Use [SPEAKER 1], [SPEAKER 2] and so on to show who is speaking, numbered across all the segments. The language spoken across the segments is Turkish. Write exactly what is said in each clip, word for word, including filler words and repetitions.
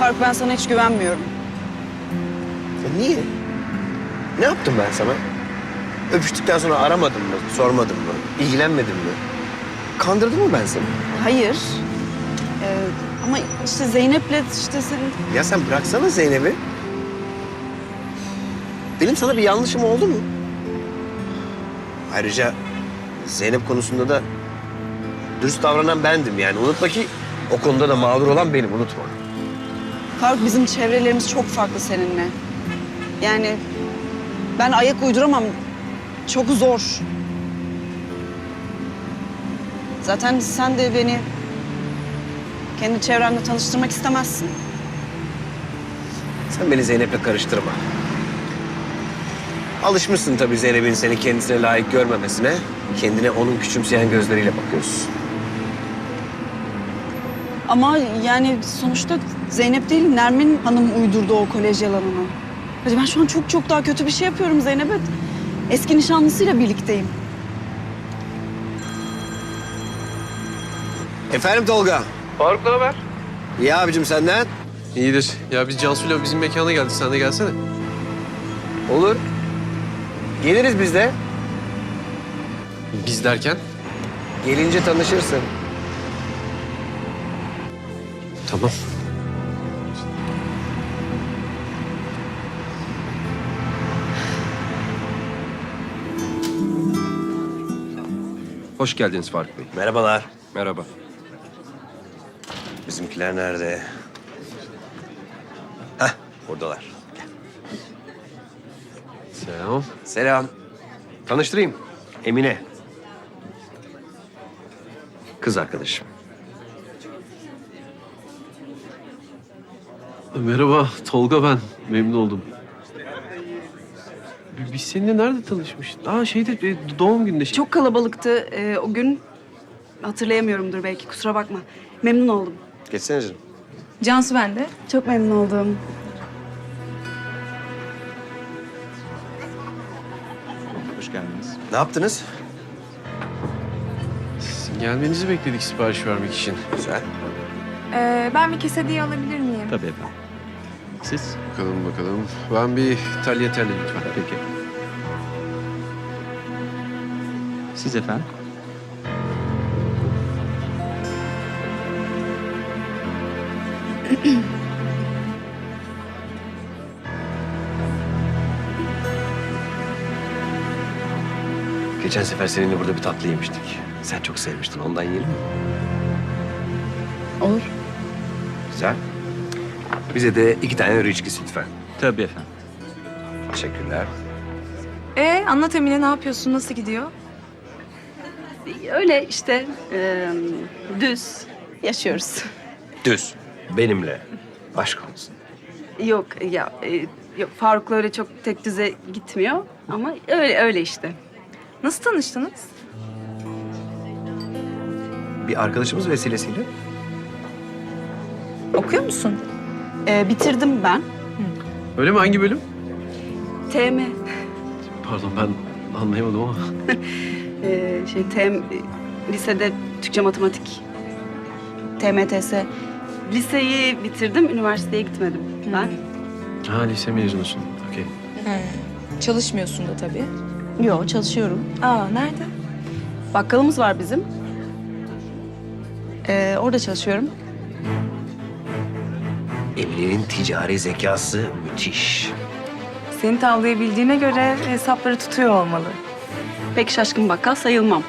[SPEAKER 1] Faruk, ben sana hiç güvenmiyorum.
[SPEAKER 2] Ya niye? Ne yaptım ben sana? Öpüştükten sonra aramadın mı, sormadın mı, ilgilenmedin mi? Kandırdım mı ben seni?
[SPEAKER 1] Hayır. Ee, ama işte Zeynep'le işte senin...
[SPEAKER 2] Ya sen bıraksana Zeynep'i. Benim sana bir yanlışım oldu mu? Ayrıca Zeynep konusunda da dürüst davranan bendim yani. Unutma ki o konuda da mağdur olan benim, unutma.
[SPEAKER 1] Faruk, bizim çevrelerimiz çok farklı seninle. Yani ben ayak uyduramam. Çok zor. Zaten sen de beni kendi çevrenle tanıştırmak istemezsin.
[SPEAKER 2] Sen beni Zeynep'le karıştırma. Alışmışsın tabii Zeynep'in seni kendisine layık görmemesine. Kendine onun küçümseyen gözleriyle bakıyorsun.
[SPEAKER 1] Ama yani sonuçta Zeynep değil, Nermin Hanım uydurdu o kolej yalanını. Hadi ben şu an çok çok daha kötü bir şey yapıyorum Zeynep'e. Eski nişanlısıyla birlikteyim.
[SPEAKER 2] Efendim Tolga?
[SPEAKER 3] Faruk ne haber?
[SPEAKER 2] İyi abicim senden?
[SPEAKER 3] İyidir. Ya biz Cansu'yla bizim mekana geldik. Sen de gelsene.
[SPEAKER 2] Olur. Geliriz biz de.
[SPEAKER 3] Biz derken?
[SPEAKER 2] Gelince tanışırsın.
[SPEAKER 3] Tamam.
[SPEAKER 4] Hoş geldiniz Faruk Bey.
[SPEAKER 2] Merhabalar.
[SPEAKER 4] Merhaba.
[SPEAKER 2] Bizimkiler nerede? Hah, buradalar.
[SPEAKER 3] Selam.
[SPEAKER 2] Selam. Tanıştırayım. Emine. Kız arkadaşım.
[SPEAKER 3] Merhaba. Tolga ben. Memnun oldum. Biz seninle nerede tanışmıştık? Aa şeyde e, doğum gününde. Şey...
[SPEAKER 1] Çok kalabalıktı ee, o gün. Hatırlayamıyorumdur belki, kusura bakma. Memnun oldum.
[SPEAKER 2] Geçsene canım.
[SPEAKER 5] Cansu ben de.
[SPEAKER 1] Çok memnun oldum.
[SPEAKER 4] Hoş geldiniz.
[SPEAKER 2] Ne yaptınız?
[SPEAKER 3] Sizin gelmenizi bekledik sipariş vermek için.
[SPEAKER 2] Güzel.
[SPEAKER 5] Ee, ben bir kesediye alabilir miyim?
[SPEAKER 4] Tabii efendim. Siz?
[SPEAKER 3] Bakalım bakalım. Ben bir tagliatelle lütfen.
[SPEAKER 4] Peki. Siz efendim?
[SPEAKER 2] Geçen sefer seninle burada bir tatlı yemiştik. Sen çok sevmiştin. Ondan yiyelim mi?
[SPEAKER 1] Olur.
[SPEAKER 2] Güzel. Bize de iki tane riçkisi lütfen.
[SPEAKER 4] Tabii efendim.
[SPEAKER 2] Teşekkürler.
[SPEAKER 5] Ee, anlat Emine, ne yapıyorsun? Nasıl gidiyor?
[SPEAKER 1] Öyle işte e, düz yaşıyoruz.
[SPEAKER 2] Düz. Benimle. Aşk olsun.
[SPEAKER 1] Yok ya e, yok, Faruk'la öyle çok tek düze gitmiyor ama öyle öyle işte.
[SPEAKER 5] Nasıl tanıştınız?
[SPEAKER 2] Bir arkadaşımız vesilesiyle.
[SPEAKER 5] Okuyor musun?
[SPEAKER 1] E, bitirdim ben.
[SPEAKER 3] Öyle mi? Hangi bölüm?
[SPEAKER 1] T M
[SPEAKER 3] Pardon ben anlayamadım ama.
[SPEAKER 1] e, şey T M lisede Türkçe matematik. T M T S. Liseyi bitirdim, üniversiteye gitmedim ben.
[SPEAKER 3] Ha lise mezunusun. Okey.
[SPEAKER 5] Çalışmıyorsun da tabii.
[SPEAKER 1] Yok, çalışıyorum.
[SPEAKER 5] Aa, nerede?
[SPEAKER 1] Bakkalımız var bizim. E, orada çalışıyorum.
[SPEAKER 2] Emine'nin ticari zekası müthiş.
[SPEAKER 5] Seni tavlayabildiğine göre hesapları tutuyor olmalı.
[SPEAKER 1] Pek şaşkın bakkal sayılmam.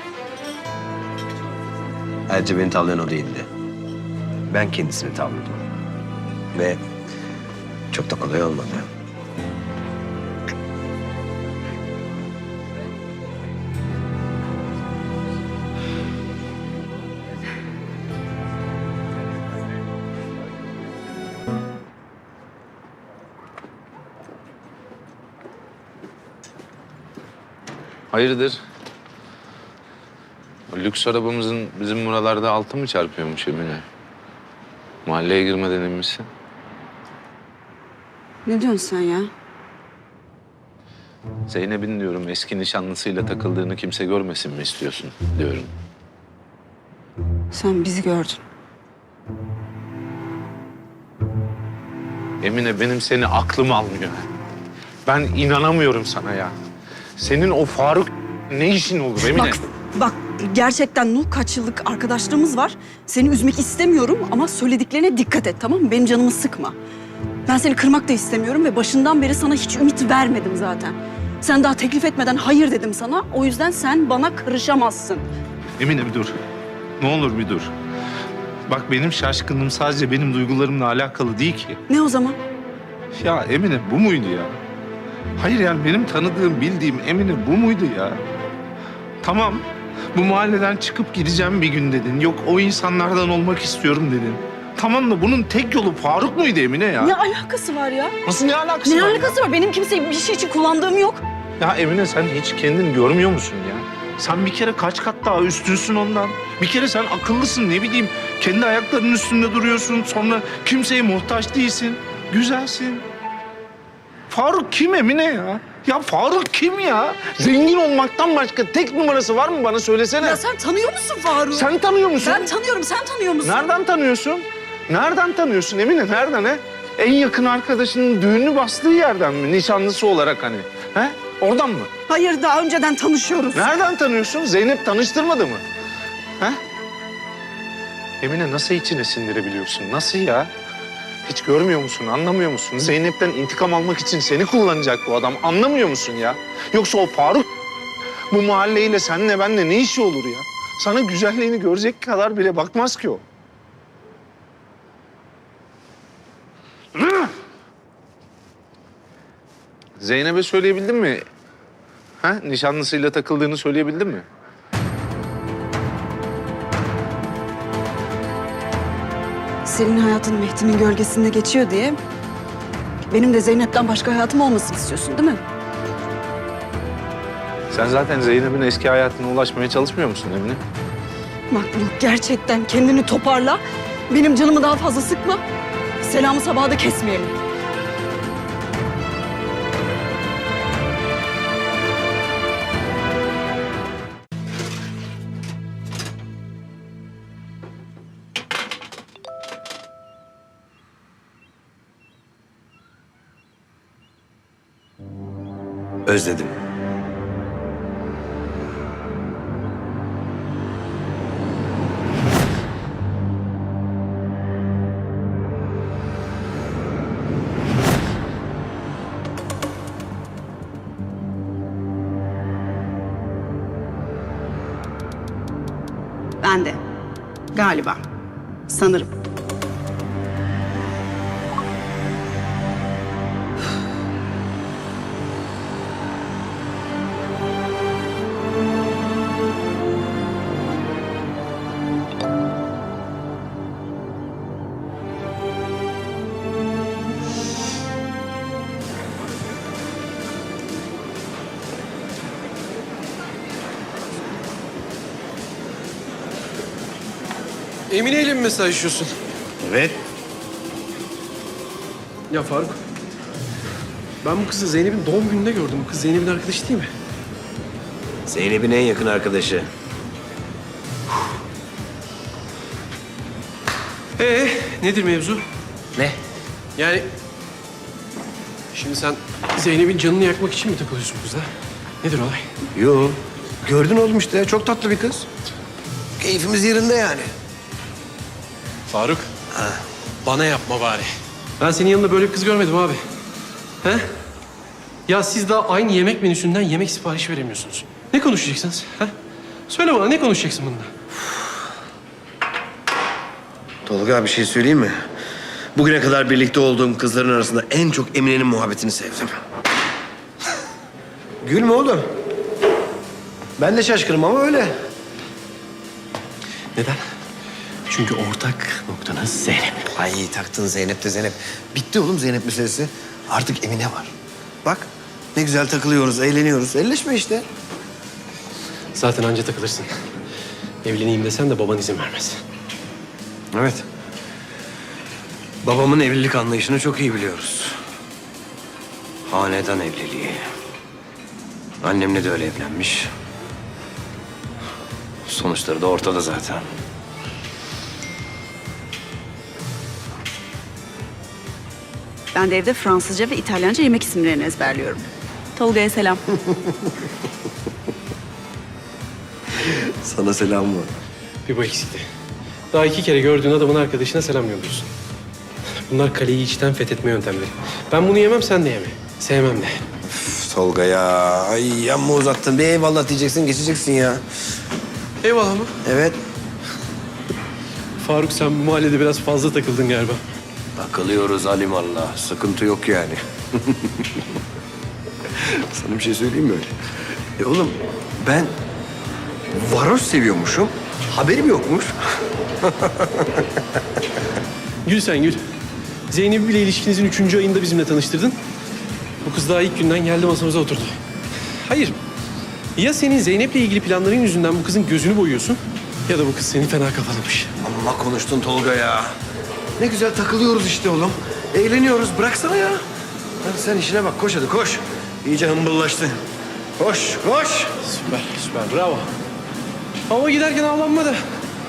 [SPEAKER 2] Ayrıca beni tavlayan o değildi. Ben kendisini tavladım. Ve çok da kolay olmadı.
[SPEAKER 6] Hayırdır? O lüks arabamızın bizim buralarda altı mı çarpıyormuş Emine? Mahalleye girmeden inmişsin.
[SPEAKER 1] Ne diyorsun sen ya?
[SPEAKER 6] Zeynep'in diyorum eski nişanlısıyla takıldığını kimse görmesin mi istiyorsun diyorum.
[SPEAKER 1] Sen bizi gördün.
[SPEAKER 6] Emine benim seni aklım almıyor. Ben inanamıyorum sana ya. Senin o Faruk ne işin olur Emine?
[SPEAKER 1] Bak, bak gerçekten Nuh kaç yıllık arkadaşlığımız var. Seni üzmek istemiyorum ama söylediklerine dikkat et, tamam mı? Benim canımı sıkma. Ben seni kırmak da istemiyorum ve başından beri sana hiç ümit vermedim zaten. Sen daha teklif etmeden hayır dedim sana. O yüzden sen bana karışamazsın.
[SPEAKER 6] Emine bir dur. Ne olur bir dur. Bak benim şaşkınlığım sadece benim duygularımla alakalı değil ki.
[SPEAKER 1] Ne o zaman?
[SPEAKER 6] Ya Emine bu muydu ya? Hayır yani benim tanıdığım, bildiğim Emine bu muydu ya? Tamam, bu mahalleden çıkıp gideceğim bir gün dedin. Yok o insanlardan olmak istiyorum dedin. Tamam da bunun tek yolu Faruk muydu Emine ya?
[SPEAKER 1] Ne alakası var ya?
[SPEAKER 6] Nasıl ne alakası
[SPEAKER 1] Ne
[SPEAKER 6] var?
[SPEAKER 1] alakası var? Benim kimseyi bir şey için kullandığım yok.
[SPEAKER 6] Ya? ya Emine sen hiç kendini görmüyor musun ya? Sen bir kere kaç kat daha üstünsün ondan. Bir kere sen akıllısın ne bileyim. Kendi ayaklarının üstünde duruyorsun. Sonra kimseye muhtaç değilsin. Güzelsin. Faruk kim Emine ya? Ya Faruk kim ya? Zengin olmaktan başka tek numarası var mı bana söylesene.
[SPEAKER 1] Ya sen tanıyor musun Faruk'u?
[SPEAKER 6] Sen tanıyor musun?
[SPEAKER 1] Ben tanıyorum, sen tanıyor musun?
[SPEAKER 6] Nereden tanıyorsun? Nereden tanıyorsun Emine? Nereden he? En yakın arkadaşının düğünü bastığı yerden mi? Nişanlısı olarak hani. He? Oradan mı?
[SPEAKER 1] Hayır, daha önceden tanışıyoruz.
[SPEAKER 6] Nereden tanıyorsun? Zeynep tanıştırmadı mı? He? Emine nasıl içine sindirebiliyorsun? Nasıl ya? Hiç görmüyor musun? Anlamıyor musun? Zeynep'ten intikam almak için seni kullanacak bu adam. Anlamıyor musun ya? Yoksa o Faruk bu mahalleyle seninle benle ne işi olur ya? Sana güzelliğini görecek kadar bile bakmaz ki o. Zeynep'e söyleyebildin mi? Ha? Nişanlısıyla takıldığını söyleyebildin mi?
[SPEAKER 1] Senin hayatın Mehdi'nin gölgesinde geçiyor diye... benim de Zeynep'ten başka hayatım olmasını istiyorsun değil mi?
[SPEAKER 6] Sen zaten Zeynep'in eski hayatına ulaşmaya çalışmıyor musun Emine?
[SPEAKER 1] Bak Nuh, gerçekten kendini toparla. Benim canımı daha fazla sıkma. Selamı sabaha da kesmeyelim.
[SPEAKER 2] Özledim.
[SPEAKER 1] Ben de. Galiba. Sanırım.
[SPEAKER 3] Emine ile mi mesajlaşıyorsun?
[SPEAKER 2] Evet.
[SPEAKER 3] Ya Faruk, ben bu kızı Zeynep'in doğum gününde gördüm. Bu kız Zeynep'in arkadaşı değil mi?
[SPEAKER 2] Zeynep'in en yakın arkadaşı.
[SPEAKER 3] Ee, nedir mevzu?
[SPEAKER 2] Ne?
[SPEAKER 3] Yani şimdi sen Zeynep'in canını yakmak için mi takılıyorsun kıza? Nedir olay?
[SPEAKER 2] Yo. Gördün oğlum işte. Çok tatlı bir kız. Keyfimiz yerinde yani.
[SPEAKER 3] Faruk, bana yapma bari. Ben senin yanında böyle bir kız görmedim abi. He? Ya siz daha aynı yemek menüsünden yemek siparişi veremiyorsunuz. Ne konuşacaksınız? He? Söyle bana, ne konuşacaksın bununla?
[SPEAKER 2] Tolga bir şey söyleyeyim mi? Bugüne kadar birlikte olduğum kızların arasında en çok Emine'nin muhabbetini sevdim. Gülme oğlum. Ben de şaşkınım ama öyle.
[SPEAKER 3] Neden? Çünkü ortak noktanız Zeynep.
[SPEAKER 2] Ay taktın Zeynep de Zeynep. Bitti oğlum Zeynep meselesi. Artık Emine var. Bak ne güzel takılıyoruz, eğleniyoruz. Elleşme işte.
[SPEAKER 3] Zaten anca takılırsın. Evleneyim desen de baban izin vermez.
[SPEAKER 2] Evet. Babamın evlilik anlayışını çok iyi biliyoruz. Hanedan evliliği. Annemle de öyle evlenmiş. Sonuçları da ortada zaten.
[SPEAKER 1] Ben de evde Fransızca ve İtalyanca yemek isimlerini ezberliyorum. Tolga'ya selam.
[SPEAKER 2] Sana selam var.
[SPEAKER 3] Bir bu eksikti. Daha iki kere gördüğün adamın arkadaşına selam yolluyorsun. Bunlar kaleyi içten fethetme yöntemleri. Ben bunu yemem, sen de yeme. Sevmem de.
[SPEAKER 2] Tolga ya. Ay amma uzattın. Bir eyvallah diyeceksin, geçeceksin ya.
[SPEAKER 3] Eyvallah mı?
[SPEAKER 2] Evet.
[SPEAKER 3] Faruk, sen bu mahallede biraz fazla takıldın galiba.
[SPEAKER 2] Takılıyoruz alimallah. Sıkıntı yok yani. Sana bir şey söyleyeyim mi öyle? E oğlum ben varoş seviyormuşum. Haberim yokmuş.
[SPEAKER 3] Gül sen gül. Zeynep'i bile ilişkinizin üçüncü ayında bizimle tanıştırdın. Bu kız daha ilk günden geldi masamıza oturdu. Hayır. Ya senin Zeynep'le ilgili planların yüzünden bu kızın gözünü boyuyorsun... ...ya da bu kız seni fena kafalamış.
[SPEAKER 2] Amma konuştun Tolga ya. Ne güzel takılıyoruz işte oğlum. Eğleniyoruz. Bıraksana ya. Hadi sen işine bak. Koş hadi koş. İyice hımbıllaştın. Koş, koş.
[SPEAKER 3] Süper, süper. Bravo. Ama giderken avlanma da.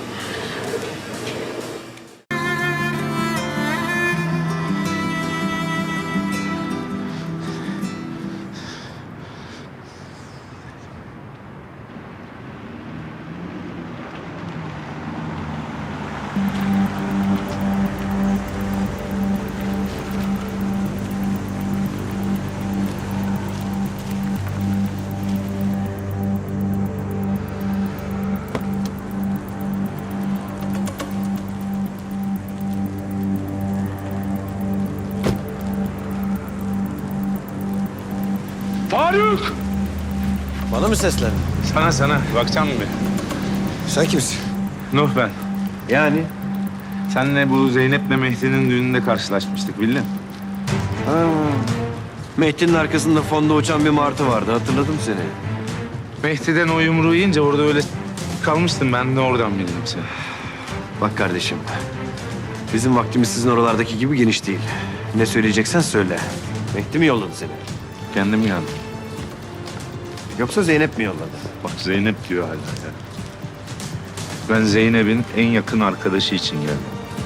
[SPEAKER 6] Faruk!
[SPEAKER 2] Bana mı seslendin?
[SPEAKER 6] Sana sana. Bakacağım mı bir?
[SPEAKER 2] Sen kimsin?
[SPEAKER 6] Nuh ben.
[SPEAKER 2] Yani?
[SPEAKER 6] Senle bu Zeynep'le Mehdi'nin düğününde karşılaşmıştık bildin.
[SPEAKER 2] Ha. Mehdi'nin arkasında fonda uçan bir martı vardı. Hatırladım seni.
[SPEAKER 6] Mehdi'den o yumruğu yiyince orada öyle kalmıştım. Ben de oradan bildim seni.
[SPEAKER 2] Bak kardeşim. Bizim vaktimiz sizin oralardaki gibi geniş değil. Ne söyleyeceksen söyle. Mehdi mi yolladı seni?
[SPEAKER 6] Kendim geldim.
[SPEAKER 2] Yoksa Zeynep mi yolladı?
[SPEAKER 6] Bak Zeynep diyor hala ya. Ben Zeynep'in en yakın arkadaşı için geldim.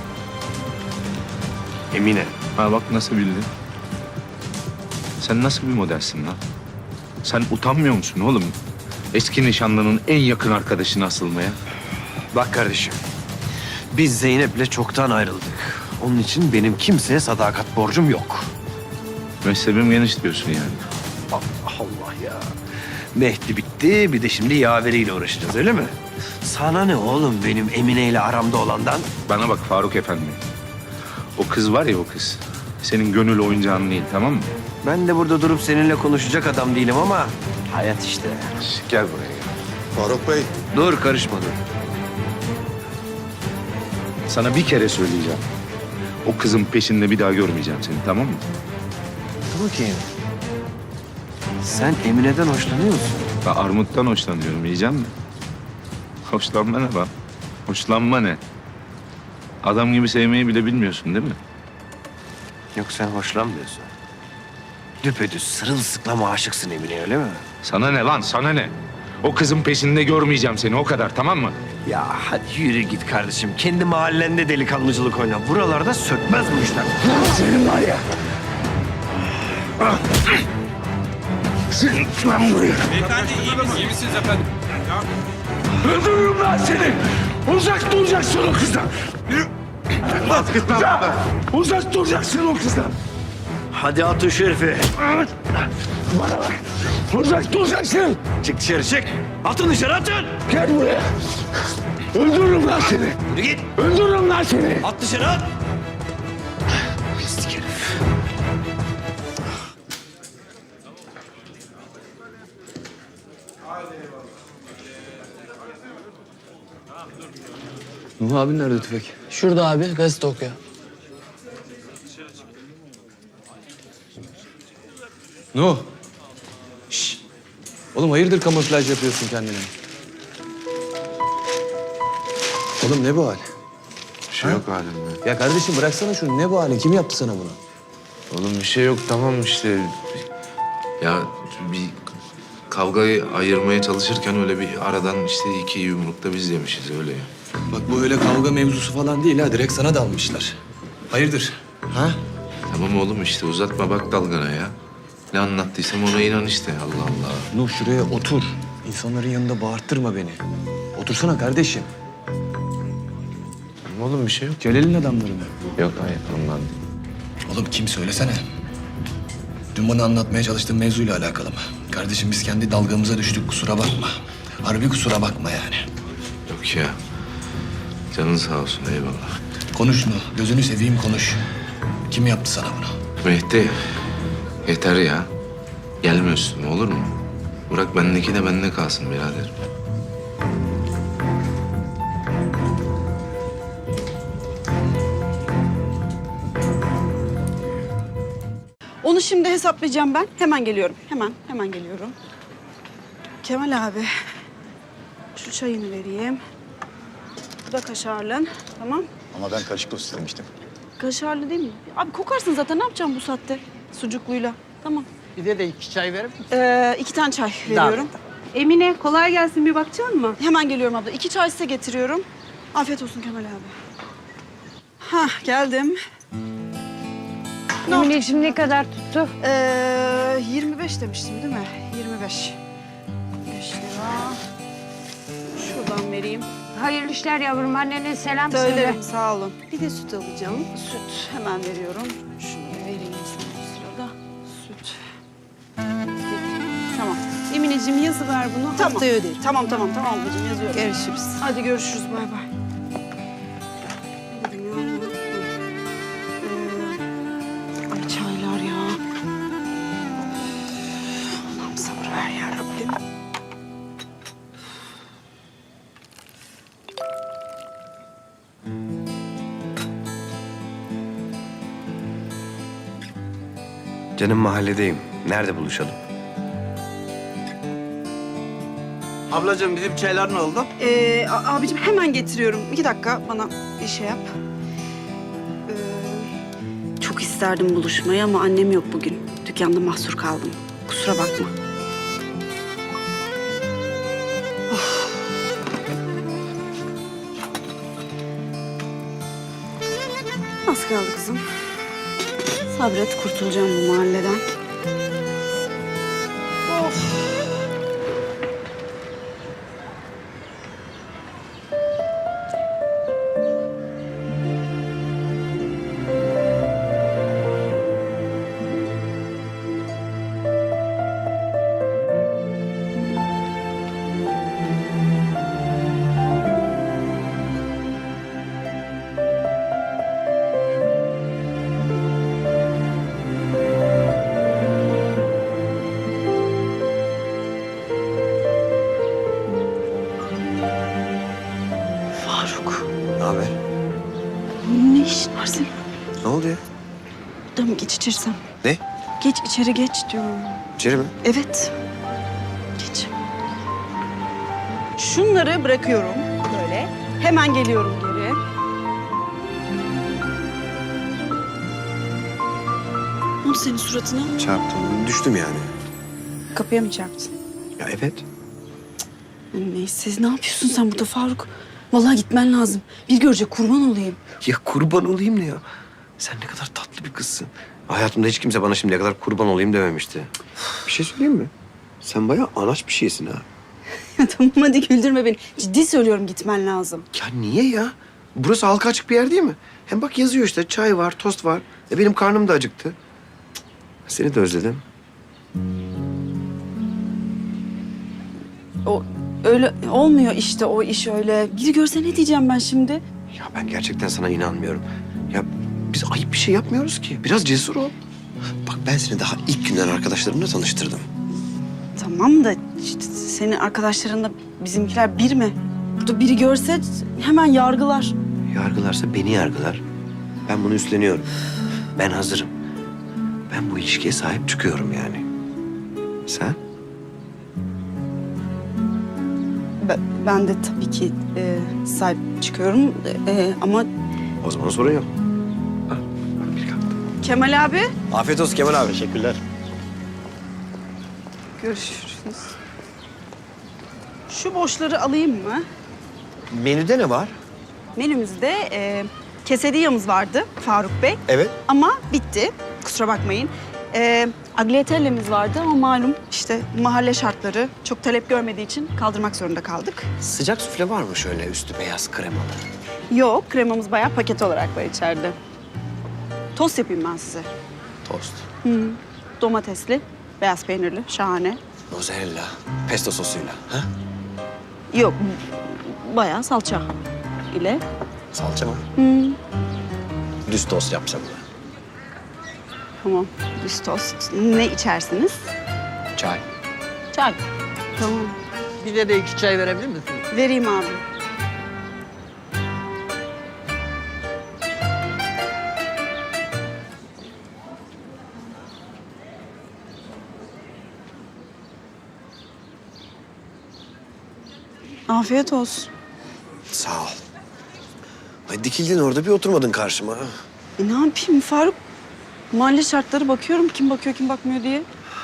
[SPEAKER 2] Emine.
[SPEAKER 6] Ha bak nasıl bildin? Sen nasıl bir modelsin lan? Sen utanmıyor musun oğlum? Eski nişanlının en yakın arkadaşına asılmaya.
[SPEAKER 2] Bak kardeşim. Biz Zeynep'le çoktan ayrıldık. Onun için benim kimseye sadakat borcum yok.
[SPEAKER 6] Mezhebim geniş diyorsun yani.
[SPEAKER 2] Allah Allah ya. Mehdi bitti, bir de şimdi yaveriyle uğraşacağız öyle mi? Sana ne oğlum benim Emine ile aramda olandan?
[SPEAKER 6] Bana bak Faruk Efendi. O kız var ya o kız. Senin gönül oyuncağın değil tamam mı?
[SPEAKER 2] Ben de burada durup seninle konuşacak adam değilim ama hayat işte.
[SPEAKER 6] Gel buraya gel.
[SPEAKER 7] Faruk Bey,
[SPEAKER 2] Dur karışma dur.
[SPEAKER 6] Sana bir kere söyleyeceğim. O kızın peşinde bir daha görmeyeceğim seni tamam mı?
[SPEAKER 2] Dur bakayım. Sen Emine'den hoşlanıyor musun?
[SPEAKER 6] Ben armuttan hoşlanıyorum yiyeceğim mi? Hoşlanma ne lan? Hoşlanma ne? Adam gibi sevmeyi bile bilmiyorsun değil mi?
[SPEAKER 2] Yok sen hoşlanmıyorsun. Düpedüz sırılsıklam aşıksın Emine'ye öyle mi?
[SPEAKER 6] Sana ne lan sana ne? O kızın peşinde görmeyeceğim seni o kadar tamam mı?
[SPEAKER 2] Ya hadi yürü git kardeşim. Kendi mahallende delikanlıcılık oyna. Buralarda sökmez bu işler.
[SPEAKER 6] Senin var ya. Senin lan buraya.
[SPEAKER 3] Beyefendi iyi misiniz? İyi misiniz efendim?
[SPEAKER 6] Öldürürüm lan seni. Uzak duracaksın o kızdan. Uzak, uzak duracaksın o kızdan.
[SPEAKER 2] Hadi at şu herifi.
[SPEAKER 6] Bana bak. Uzak duracaksın.
[SPEAKER 2] Çık dışarı çık. Atın dışarı atın.
[SPEAKER 6] Gel buraya. Öldürürüm lan seni.
[SPEAKER 2] Yürü git.
[SPEAKER 6] Öldürürüm lan seni.
[SPEAKER 2] At dışarı at. Pislik herif.
[SPEAKER 8] Nuh abi nerede tüfek?
[SPEAKER 9] Şurada abi gazete okuyor.
[SPEAKER 8] Nuh. Şşş. Oğlum hayırdır kamuflaj yapıyorsun kendine? Oğlum ne bu hal?
[SPEAKER 7] bir şey yok halimde.
[SPEAKER 8] Ya kardeşim bıraksana şunu. Ne bu hali? Kim yaptı sana bunu?
[SPEAKER 7] Oğlum bir şey yok tamam işte. Ya bir kavgayı ayırmaya çalışırken öyle bir aradan işte iki yumrukta biz yemişiz öyle ya.
[SPEAKER 8] Bak bu öyle kavga mevzusu falan değil ha. Direkt sana dalmışlar. Hayırdır? Ha?
[SPEAKER 7] Tamam oğlum işte uzatma bak dalgana ya. Ne anlattıysam ona inan işte Allah Allah.
[SPEAKER 8] Nuh şuraya otur. İnsanların yanında bağırttırma beni. Otursana kardeşim.
[SPEAKER 7] Tamam oğlum bir şey yok.
[SPEAKER 8] Celal'in adamları mı?
[SPEAKER 7] Yok hayır ondan değil.
[SPEAKER 8] Oğlum kim söylesene. Dün bana anlatmaya çalıştığın mevzuyla alakalı mı? Kardeşim biz kendi dalgamıza düştük kusura bakma. Harbi kusura bakma yani.
[SPEAKER 7] Yok ya. Canın sağ olsun eyvallah.
[SPEAKER 8] Konuş Nuh. Gözünü seveyim konuş. Kim yaptı sana bunu?
[SPEAKER 7] Mehdi yeter ya. Gelme üstüme olur mu? Bırak bendeki de bende kalsın birader.
[SPEAKER 1] Onu şimdi hesaplayacağım ben. Hemen geliyorum. Hemen, hemen geliyorum. Kemal abi, şu çayını vereyim. Bu da kaşarlı. Tamam.
[SPEAKER 9] Ama ben karışık tost istemiştim.
[SPEAKER 1] Kaşarlı değil mi? Abi kokarsın zaten. Ne yapacağım bu saatte? Sucukluyla. Tamam.
[SPEAKER 10] Bize de iki çay verir misin?
[SPEAKER 1] Ee, iki tane çay veriyorum.
[SPEAKER 5] Emine kolay gelsin, bir bakacak mısın?
[SPEAKER 1] Hemen geliyorum abla. İki çay size getiriyorum. Afiyet olsun Kemal abi. Hah, geldim.
[SPEAKER 5] Emineciğim ne kadar tuttu?
[SPEAKER 1] Ee, yirmi beş demiştim değil mi? yirmi beş. beş lira. Şuradan vereyim.
[SPEAKER 5] Hayırlı işler yavrum, annene selam söyle.
[SPEAKER 1] Söylerim, sağ olun. Bir de süt alacağım. Süt hemen veriyorum. Şunu vereyim sana bu sırada. Süt. Tamam.
[SPEAKER 5] Emineciğim yazı ver bunu.
[SPEAKER 1] Tamam.
[SPEAKER 5] Haftaya öderim.
[SPEAKER 1] Tamam, tamam, tamam ablacığım yazıyorum.
[SPEAKER 5] Görüşürüz.
[SPEAKER 1] Hadi görüşürüz, bay bay. Ne dedim ya? Ee, ay çaylar ya. Allah'ım sabır ver ya Rabbim.
[SPEAKER 2] Canım mahalledeyim. Nerede buluşalım?
[SPEAKER 10] Ablacığım bizim çaylar ne oldu?
[SPEAKER 1] Ee, a- abicim hemen getiriyorum. İki dakika bana bir şey yap. Ee, çok isterdim buluşmayı ama annem yok bugün. Dükkanda mahsur kaldım. Kusura bakma. Of. Az kaldı kızım. Sabret, kurtulacağım bu mahalleden. Of. Faruk,
[SPEAKER 2] Ne haber?
[SPEAKER 1] ne işin var senin?
[SPEAKER 2] Ne oldu ya?
[SPEAKER 1] Burada mı geç içersem?
[SPEAKER 2] Ne?
[SPEAKER 1] Geç içeri geç diyorum.
[SPEAKER 2] İçeri mi?
[SPEAKER 1] Evet. Geç. Şunları bırakıyorum böyle. Hemen geliyorum geri. Ne oldu senin suratına?
[SPEAKER 2] Çarptım. Düştüm yani.
[SPEAKER 1] Kapıya mı çarptın?
[SPEAKER 2] Ya evet.
[SPEAKER 1] Neyse ne yapıyorsun sen burada Faruk? Vallahi gitmen lazım. Bir görecek kurban olayım.
[SPEAKER 2] Ya kurban olayım ne ya? Sen ne kadar tatlı bir kızsın. Hayatımda hiç kimse bana şimdiye kadar kurban olayım dememişti. Bir şey söyleyeyim mi? Sen bayağı anaç bir şeysin ha.
[SPEAKER 1] Tamam hadi güldürme beni. Ciddi söylüyorum gitmen lazım.
[SPEAKER 2] Ya niye ya? Burası halka açık bir yer değil mi? Hem bak yazıyor işte çay var, tost var. E benim karnım da acıktı. Cık. Seni de özledim.
[SPEAKER 1] O öyle olmuyor işte o iş öyle. Biri görse ne diyeceğim ben şimdi?
[SPEAKER 2] Ya ben gerçekten sana inanmıyorum. Ya biz ayıp bir şey yapmıyoruz ki. Biraz cesur ol. Bak ben seni daha ilk günden arkadaşlarımla tanıştırdım.
[SPEAKER 1] Tamam da işte senin arkadaşlarınla bizimkiler bir mi? Burada biri görse hemen yargılar.
[SPEAKER 2] Yargılarsa beni yargılar. Ben bunu üstleniyorum. Ben hazırım. Ben bu ilişkiye sahip çıkıyorum yani. Sen?
[SPEAKER 1] Ben, ben de tabii ki e, sahip çıkıyorum e, ama...
[SPEAKER 2] O zaman sorun yok. Ha, bak bir kalktı.
[SPEAKER 1] Kemal abi.
[SPEAKER 2] Afiyet olsun Kemal abi.
[SPEAKER 9] Teşekkürler.
[SPEAKER 1] Görüşürüz. Şu boşları alayım mı?
[SPEAKER 2] Menüde ne var?
[SPEAKER 1] Menümüzde e, Kesediyamız vardı Faruk Bey.
[SPEAKER 2] Evet.
[SPEAKER 1] Ama bitti. Kusura bakmayın. Ee, agliatellemiz vardı ama malum işte mahalle şartları çok talep görmediği için kaldırmak zorunda kaldık.
[SPEAKER 2] Sıcak sufle var mı şöyle üstü beyaz kremalı?
[SPEAKER 1] Yok, kremamız bayağı paket olarak var içeride. Tost yapayım ben size.
[SPEAKER 2] Tost.
[SPEAKER 1] Hı. Domatesli, beyaz peynirli, şahane.
[SPEAKER 2] Mozzarella. Pesto sosuyla. Ha?
[SPEAKER 1] Yok, bayağı salça ile.
[SPEAKER 2] Salça mı?
[SPEAKER 1] Hı.
[SPEAKER 2] Düz tost yapacağım ben.
[SPEAKER 1] Tamam, düz tost. Ne içersiniz?
[SPEAKER 2] Çay.
[SPEAKER 1] Çay. Tamam,
[SPEAKER 10] Bize de iki çay verebilir misiniz?
[SPEAKER 1] vereyim abi. Afiyet olsun.
[SPEAKER 2] Sağ ol. Ay dikildin orada bir oturmadın karşıma.
[SPEAKER 1] E ne yapayım Faruk? Mahalle şartları bakıyorum kim bakıyor kim bakmıyor diye.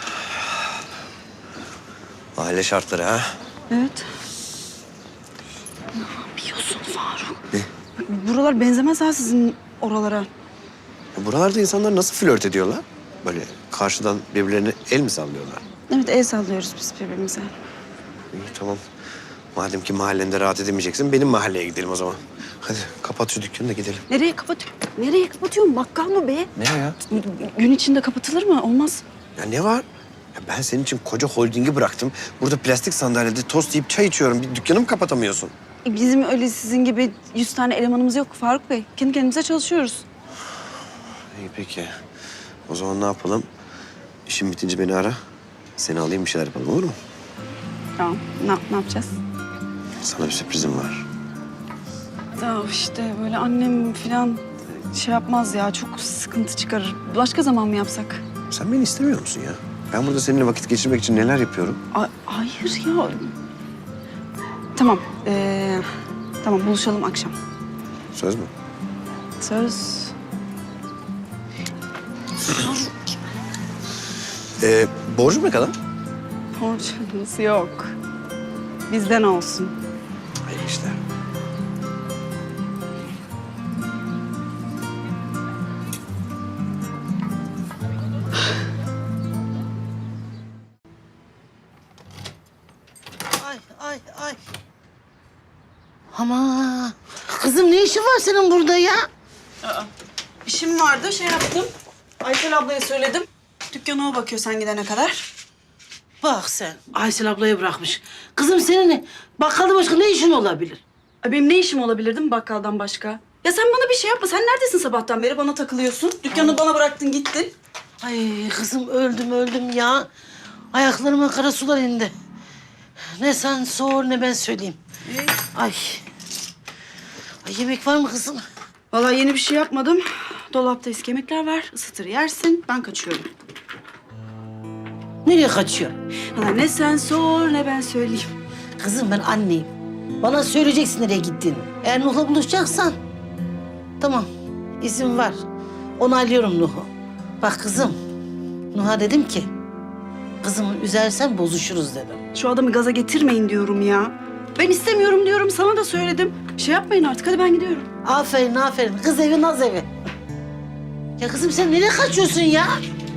[SPEAKER 2] Aile şartları ha.
[SPEAKER 1] Evet. Ne yapıyorsun Faruk?
[SPEAKER 2] Ne?
[SPEAKER 1] Bak, buralar benzemez ha sizin oralara.
[SPEAKER 2] Ya buralarda insanlar nasıl flört ediyorlar? Böyle karşıdan birbirlerine el mi sallıyorlar?
[SPEAKER 1] Evet el sallıyoruz biz birbirimize.
[SPEAKER 2] İyi tamam. Madem ki mahallende rahat edemeyeceksin benim mahalleye gidelim o zaman. Hadi kapat şu dükkanı da gidelim.
[SPEAKER 1] Nereye kapatıyorsun? Nereye kapatıyorsun? Bakkal mı be?
[SPEAKER 2] Ne ya?
[SPEAKER 1] Gün içinde kapatılır mı? Olmaz.
[SPEAKER 2] Ya ne var? Ya ben senin için koca holdingi bıraktım. Burada plastik sandalyede tost yiyip çay içiyorum. Bir dükkanı mı kapatamıyorsun?
[SPEAKER 1] E, Bizim öyle sizin gibi yüz tane elemanımız yok Faruk Bey. Kendi kendimize çalışıyoruz.
[SPEAKER 2] İyi peki. O zaman ne yapalım? İşin bitince beni ara. Seni alayım bir şeyler yapalım olur mu?
[SPEAKER 1] Tamam. Ne, ne yapacağız?
[SPEAKER 2] Sana bir sürprizim var.
[SPEAKER 1] Ya işte böyle annem falan şey yapmaz ya. Çok sıkıntı çıkarır. Başka zaman mı yapsak?
[SPEAKER 2] Sen beni istemiyor musun ya? Ben burada seninle vakit geçirmek için neler yapıyorum?
[SPEAKER 1] A- hayır ya. Tamam. Ee, tamam buluşalım akşam.
[SPEAKER 2] Söz mü?
[SPEAKER 1] Söz.
[SPEAKER 2] Ee, borcum ne kadar?
[SPEAKER 1] Borcumuz yok. Bizden olsun.
[SPEAKER 2] Hayır işte.
[SPEAKER 9] Ay ay ay. Ama kızım ne işin var senin burada ya?
[SPEAKER 1] İşim vardı, şey yaptım. Aysel ablaya söyledim. Dükkana o bakıyor sen gidene kadar.
[SPEAKER 9] Bak sen Aysel ablayı bırakmış. Kızım senin bakkalda başka ne işin olabilir?
[SPEAKER 1] Ay benim ne işim olabilirdi mi bakkaldan başka? Ya sen bana bir şey yapma. Sen neredesin sabahtan beri? Bana takılıyorsun. Dükkanı bana bıraktın gittin.
[SPEAKER 9] Ay kızım öldüm öldüm ya. Ayaklarıma kara sular indi. Ne sen sor ne ben söyleyeyim. Ay. Ay yemek var mı kızım?
[SPEAKER 1] Vallahi yeni bir şey yapmadım. Dolapta eski yemekler var. Isıtır yersin. Ben kaçıyorum.
[SPEAKER 9] Nereye kaçıyor?
[SPEAKER 1] Valla ne sen sor ne ben söyleyeyim.
[SPEAKER 9] Kızım ben anneyim. Bana söyleyeceksin nereye gittiğini. Eğer Nuh'la buluşacaksan tamam izin var. Onaylıyorum Nuh'u. Bak kızım Nuh'a dedim ki kızımı üzersen bozuşuruz dedim.
[SPEAKER 1] Şu adamı gaza getirmeyin diyorum ya. Ben istemiyorum diyorum. Sana da söyledim. Şey yapmayın artık. Hadi ben gidiyorum.
[SPEAKER 9] Aferin aferin. Kız evi naz evi. Ya kızım sen nereye kaçıyorsun ya?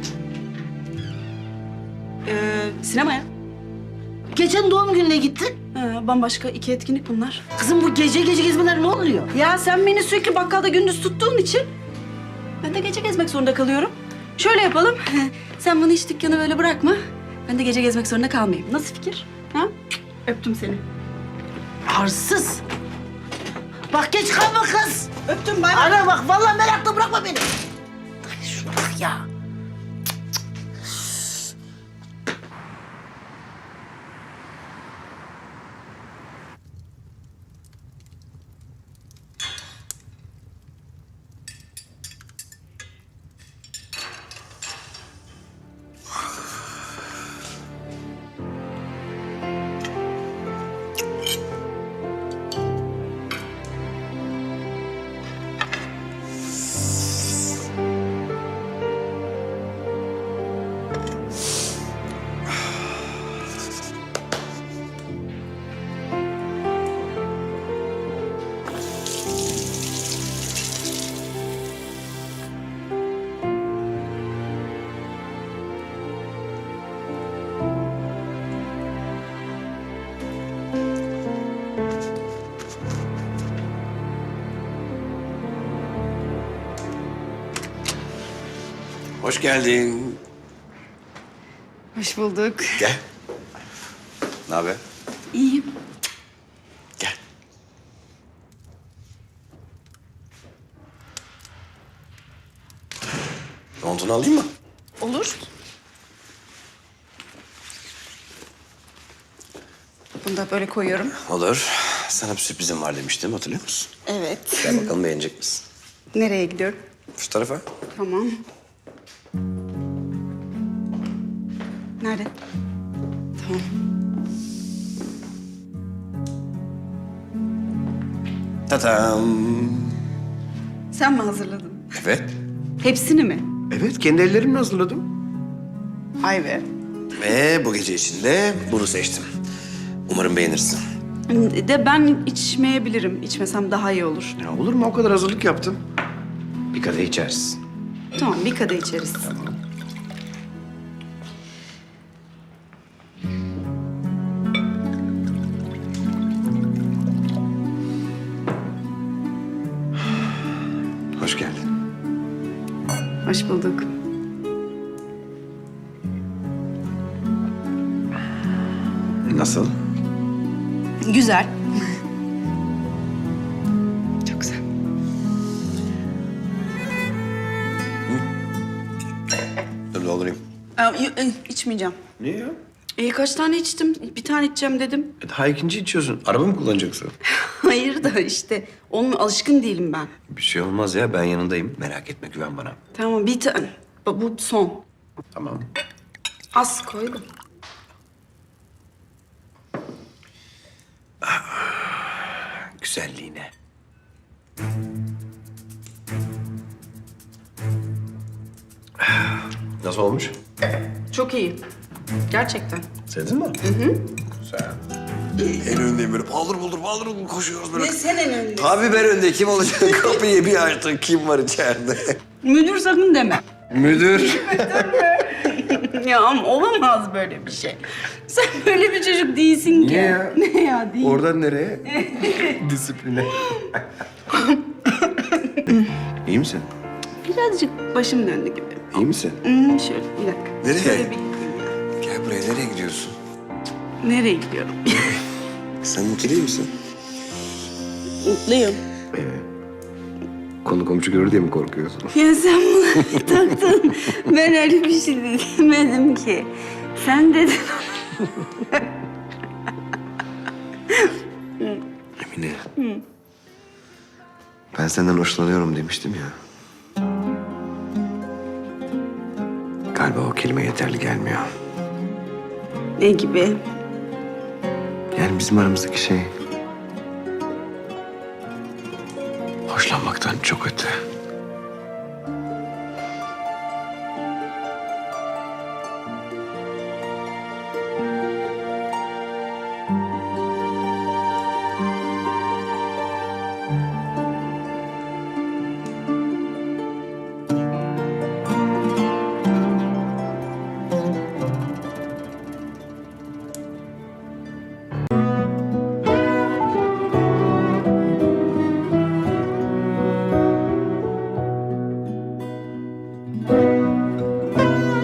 [SPEAKER 1] Ee, sinemaya.
[SPEAKER 9] Geçen doğum gününe gittin.
[SPEAKER 1] Ha, bambaşka iki etkinlik bunlar.
[SPEAKER 9] Kızım bu gece gece gezmeler ne oluyor?
[SPEAKER 1] Ya sen beni sürekli bakkalda gündüz tuttuğun için ben de gece gezmek zorunda kalıyorum. Şöyle yapalım. Sen bana hiç dükkanı böyle bırakma. Ben de gece gezmek zorunda kalmayayım. Nasıl fikir? Ha? Öptüm seni.
[SPEAKER 9] Arsız. Bak geç kalma kız.
[SPEAKER 1] Öptüm bay bay.
[SPEAKER 9] Ana bak vallahi merakla bırakma beni. Ay şuna bak ya.
[SPEAKER 2] Hoş geldin.
[SPEAKER 1] Hoş bulduk.
[SPEAKER 2] Gel. Ne haber?
[SPEAKER 1] İyiyim.
[SPEAKER 2] Gel. Montunu alayım mı?
[SPEAKER 1] Olur. Bunu da böyle koyuyorum.
[SPEAKER 2] Olur. Sana bir sürprizim var demiştim, hatırlıyor musun?
[SPEAKER 1] Evet.
[SPEAKER 2] Gel bakalım, beğenecek misin?
[SPEAKER 1] Nereye gidiyorum?
[SPEAKER 2] Şu tarafa.
[SPEAKER 1] Tamam. Nerede? Tamam.
[SPEAKER 2] Tatam.
[SPEAKER 1] Sen mi hazırladın?
[SPEAKER 2] Evet.
[SPEAKER 1] Hepsini mi?
[SPEAKER 2] Evet, kendi ellerimle hazırladım.
[SPEAKER 1] Ay be.
[SPEAKER 2] Ve bu gece için de bunu seçtim. Umarım beğenirsin.
[SPEAKER 1] De ben içmeyebilirim. İçmesem daha iyi olur.
[SPEAKER 2] Ya olur mu? O kadar hazırlık yaptım. Bir kadeh içersin.
[SPEAKER 1] Tamam, bir kadeh içeriz.
[SPEAKER 2] Hoş geldin.
[SPEAKER 1] Hoş bulduk.
[SPEAKER 2] Nasıl?
[SPEAKER 1] Güzel. Çok güzel.
[SPEAKER 2] Dur doldurayım.
[SPEAKER 1] Aa, y- e, içmeyeceğim.
[SPEAKER 2] Niye ya?
[SPEAKER 1] E, kaç tane içtim? Bir tane içeceğim dedim.
[SPEAKER 2] E, daha ikinci içiyorsun. Araba mı kullanacaksın?
[SPEAKER 1] Hayır da işte onun alışkın değilim ben.
[SPEAKER 2] Bir şey olmaz ya. Ben yanındayım. Merak etme, güven bana.
[SPEAKER 1] Tamam, bir tane. Bu bu son.
[SPEAKER 2] Tamam.
[SPEAKER 1] Az koydum.
[SPEAKER 2] Güzelliğine. Nasıl olmuş?
[SPEAKER 1] Çok iyi. Gerçekten.
[SPEAKER 2] Sevdin mi? Hı hı. Güzel. En öndeyim böyle paldır buldur paldır buldur koşuyoruz böyle.
[SPEAKER 1] Ne sen en önde?
[SPEAKER 2] Tabii ben önde. Kim olacak? Kapıyı bir açtık. Kim var içeride?
[SPEAKER 1] Müdür sakın deme.
[SPEAKER 2] Müdür.
[SPEAKER 1] Ya ama olamaz böyle bir şey. Sen böyle bir çocuk değilsin ki.
[SPEAKER 2] Niye ya?
[SPEAKER 1] Ne ya değil.
[SPEAKER 2] Oradan nereye? Disipline. İyi misin?
[SPEAKER 1] Birazcık başım döndü gibi.
[SPEAKER 2] İyi misin?
[SPEAKER 1] Hmm, şöyle bir dakika.
[SPEAKER 2] Nereye?
[SPEAKER 1] Şöyle bir gideyim ya.
[SPEAKER 2] Gel buraya. Nereye gidiyorsun?
[SPEAKER 1] Nereye gidiyorum?
[SPEAKER 2] Sen mutlu değil misin?
[SPEAKER 1] Mutluyum.
[SPEAKER 2] Konu komşu görür diye mi korkuyorsun?
[SPEAKER 1] Ya sen bunu taktın. Ben öyle bir şey demedim ki. Sen dedin.
[SPEAKER 2] Emine. Ben senden hoşlanıyorum demiştim ya. Galiba o kelime yeterli gelmiyor.
[SPEAKER 1] Ne gibi?
[SPEAKER 2] Yani bizim aramızdaki şey... hoşlanmaktan çok öte.